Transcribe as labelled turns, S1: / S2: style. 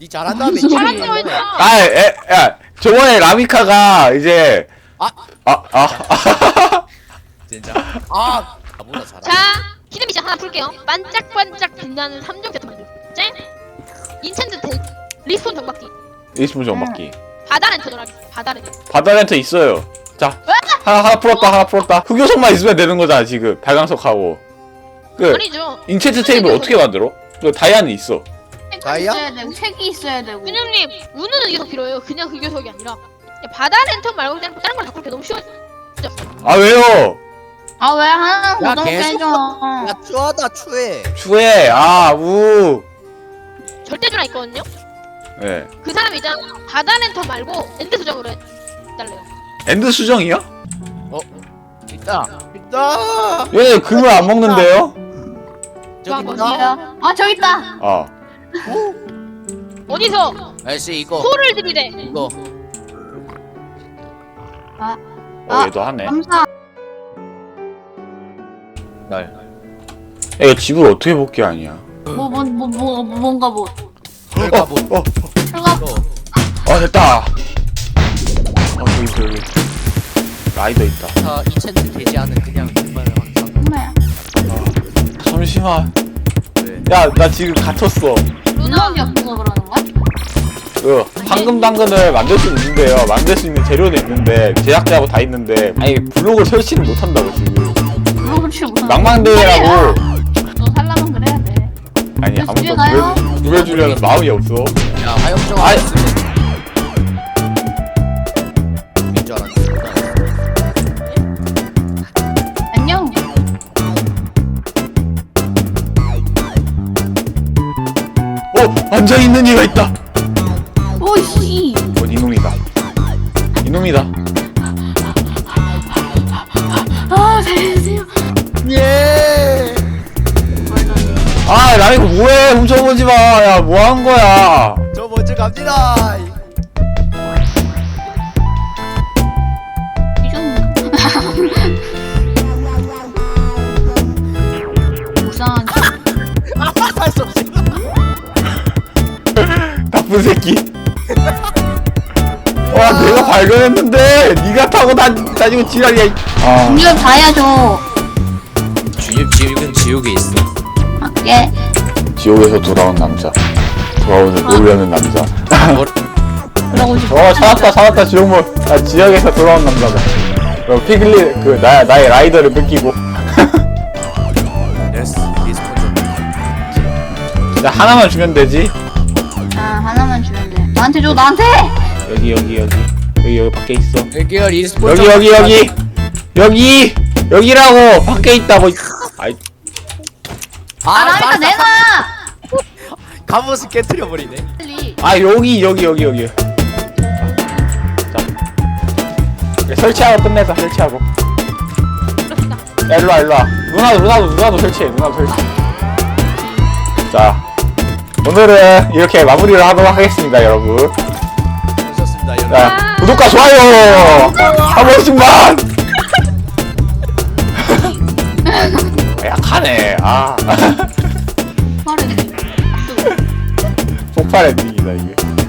S1: 니 잘한다며.
S2: 잘한다고 했잖아.
S3: 야, 저번에 라미카가 이제
S1: 진짜. 나보다 잘하.
S2: 자, 히든 미션 하나 풀게요. 반짝반짝 빛나는 3종 세트 만들. 짠. 인챈트 리스폰 정박기.
S3: 리스폰 정박기.
S2: 바다 렌터 놀아기. 바다 렌터.
S3: 바다 렌터 있어요. 자, 하나 풀었다. 흑요석만 있으면 되는 거잖아 지금. 발광석하고. 그
S2: 아니죠.
S3: 인챈트 테이블 어떻게 만들어? 그 다이아는 있어.
S1: 다이아?
S4: 있어야 되고 책이 있어야 되고.
S2: 근육님, 우는 의교석 필요해요. 그냥 의교석이 아니라. 야, 바다 렌터 말고 그냥 다른 걸 바꿀게. 너무 쉬워.
S3: 아 왜요?
S4: 아 왜 하나
S1: 야,
S4: 고정
S1: 계속
S4: 빼줘.
S1: 야 추하다 추해.
S3: 추해.
S2: 절대주라 있거든요.
S3: 네.
S2: 그 사람 이제 바다 렌터 말고 엔드 수정으로 해달래요.
S3: 엔드 수정이요?
S1: 있다.
S3: 얘네 금을 안 먹는데요?
S1: 저기
S2: 와,
S1: 있다.
S4: 아 저기 있다.
S3: 아.
S2: 어디서
S1: 아저씨 이거
S2: 소를 들이대.
S1: 이거.
S3: 얘도 하네.
S4: 감사.
S1: 날.
S3: 얘 집을 어떻게 복귀하냐?
S4: 뭔가 뭐.
S1: 그러니까 뭐.
S4: 들어가.
S3: 됐다. 저기 라이더 있다.
S1: 자 인챈트 게시하는 그냥 정말 항상.
S4: 정말.
S3: 잠시만.
S1: 왜?
S3: 야, 나 지금 갇혔어.
S4: 눈썹이 없어서 그러는 거야?
S3: 그 황금 당근을 만들 수 있는데요. 만들 수 있는 재료는 있는데 제작자하고 다 있는데 아니 블록을 설치를 못 한다고 지금.
S4: 그렇지 무슨.
S3: 망망대회라고.
S4: 너 살라면 그래야 돼.
S3: 아니
S4: 집에
S3: 아무도
S4: 가요?
S3: 구해주려는 마음이 없어.
S1: 야 화염정
S3: 아이.
S1: 안 쓰면. 인 줄 알았는데.
S4: 안녕.
S3: 앉아 있는 이가 있다.
S4: 오씨.
S3: 이놈이다.
S4: 아 살려주세요.
S1: 예.
S3: 라이거 뭐해? 훔쳐보지 마. 야, 뭐 한 거야?
S1: 저 먼저 갑니다.
S4: 이좀 불쌍한.
S1: 할수 없어.
S3: 나쁜 새끼. 내가 발견했는데 네가 타고 다니고 지랄이야.
S4: 이거 다 해야죠.
S1: 지옥은 지옥에 있어.
S4: 예.
S3: 지옥에서 돌아온 남자. 오려는 남자.
S4: 그러고 싶어.
S3: 찾았다 지옥물. 지역에서 돌아온 남자다. 피글리 나의 라이더를 뺏기고.
S1: 예스 리스폰 좀.
S3: 나 하나만 주면 되지.
S4: 하나만 주면 돼. 나한테 줘 나한테.
S3: 여기 밖에 있어.
S1: 여기요 리스폰
S3: 여기라고 밖에 있다고. 아이.
S4: 나니까 내놔.
S1: 갑옷을 깨트려 버리네.
S4: 빨리.
S3: 여기. 자. 설치하고 끝내자. 설치하고. 야, 일로와. 누나도 설치해. 자. 오늘은 이렇게 마무리를 하도록 하겠습니다, 여러분.
S1: 좋습니다 여러분.
S3: 자, 구독과 좋아요 한 번씩만. 약하네.
S4: 빠르네.
S3: 폭발 엔딩이다 이게.